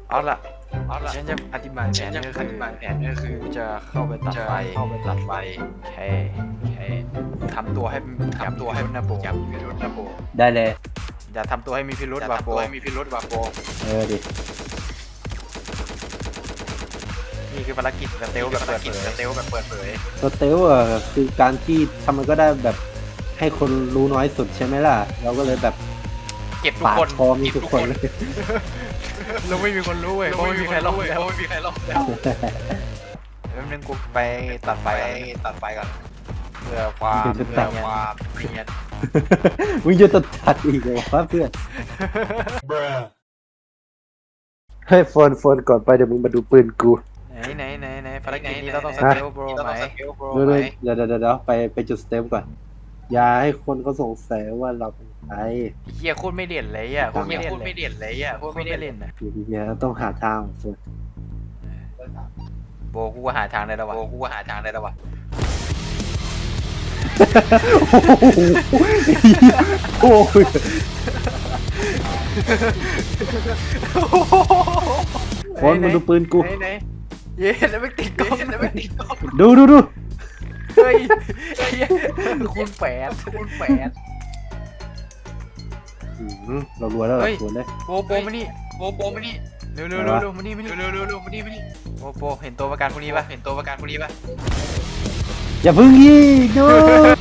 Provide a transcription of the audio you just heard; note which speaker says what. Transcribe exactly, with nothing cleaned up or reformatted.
Speaker 1: เอาละ
Speaker 2: เอาละ
Speaker 1: ฉันจะอธิบายแผ
Speaker 2: ฉัน
Speaker 1: น
Speaker 2: จะ
Speaker 1: ก็
Speaker 2: อ
Speaker 1: คือ
Speaker 2: ธิบายแผนก็คือ
Speaker 1: กูจะเข้าไปตัด
Speaker 2: จะ
Speaker 1: ไฟ
Speaker 2: เข้าไปตัดไฟ
Speaker 1: แค่แค่ทำตัวให้ทำตัวให้มันนะโบ
Speaker 2: จับพิรุธนะโบ
Speaker 3: ได้เลย
Speaker 1: อย่าทำตัวให้มีพิรุธ
Speaker 2: จะ
Speaker 1: ว่ะ
Speaker 2: ทำ
Speaker 1: โบ
Speaker 2: ตัวให้มีพิรุธว่ะโบ
Speaker 3: เออดิ
Speaker 1: นี่คือภารกิจสเตลแบบเปิด
Speaker 2: กิน
Speaker 1: เผ
Speaker 2: ส
Speaker 1: ย
Speaker 2: เตลแบบเปิดเผย
Speaker 3: สเตลอ่ะคือการที่ทำมันก็ได้แบบให้คนรู้น้อยสุดใช่ไหมล่ะ เราก็เลยแบบ
Speaker 1: เก็บทุก
Speaker 3: ปาด
Speaker 1: คน
Speaker 3: คอมีทุกคนเลย
Speaker 1: เราไม่มีคนรู้เว้ยเพราะไม่มีใครรอดแล้ว
Speaker 2: ไม่มีใครรอดแล้ว
Speaker 1: แป๊บนึงกูไปตัดไฟ
Speaker 2: ไป
Speaker 1: ก่อน
Speaker 2: ตัดไฟก่อน
Speaker 1: เพื่อความ
Speaker 3: จะ
Speaker 1: เพื่
Speaker 3: ตั
Speaker 1: อ
Speaker 3: ด
Speaker 1: ความเนียน
Speaker 3: มึงจะตัดตัดอีกเหรอวะเพื่อนเฮ้ยโฟนโฟนก่อนไปเดี๋ยวมึงมาดูปืนกู
Speaker 1: ไหนไหนไหนไหนภารกิจนี้เราต้องส
Speaker 3: ฮะ
Speaker 1: เตลโบร
Speaker 2: เรา
Speaker 1: ไหม
Speaker 2: ต้องสเกลโบร
Speaker 3: เดี๋ยว
Speaker 2: ไหม
Speaker 3: เดี๋ยวเดี๋ยวเดี๋ยวเดี๋ยวไปไปจุดสเตปก่อน อย่าให้คนเขาสงสัยว่าเราเป็นใคร
Speaker 1: เฮียโคตรไม่เด่นเลยอ่ะโคตรไม่เด่น
Speaker 2: พูด
Speaker 1: เล
Speaker 2: ไม่
Speaker 1: ย
Speaker 2: เด่นเลยอ่ะ
Speaker 1: โค
Speaker 2: พู
Speaker 1: ต
Speaker 2: ด
Speaker 1: ร
Speaker 2: ไม่
Speaker 1: ไม่
Speaker 2: เด่น
Speaker 1: เด่นนะ
Speaker 3: เนี่ยต้องหาทางโฟน
Speaker 1: โบกูก็หาทางได้แล้ววะ
Speaker 2: โบกูหาทางได้แล้ววะ
Speaker 3: โอ้โหโฟนมาดูปืนกู
Speaker 2: ไหนไหน
Speaker 1: เย้แล้วไม่ติดกล้อง
Speaker 2: แล้วไม่ติดกล้อง
Speaker 3: ดูดูดู
Speaker 1: เฮ้ยเหี้ยคูณแปดคูณแปด
Speaker 3: อืมเรารวยแล้วเหร
Speaker 1: เฮ้
Speaker 3: อย โฟนเลย
Speaker 1: โบโบมานี่
Speaker 2: โบโบมานี่
Speaker 1: เร็วเร็วเร็วเร็วมานี่มานี่
Speaker 2: เร็วเร็วเร็วมานี่มานี่
Speaker 1: โบโบเห็นตัวประกันพวกนี้ปะ
Speaker 2: เห็นตัวประกันคนนี้ปะ
Speaker 3: อย่าเพึ่งยิงดู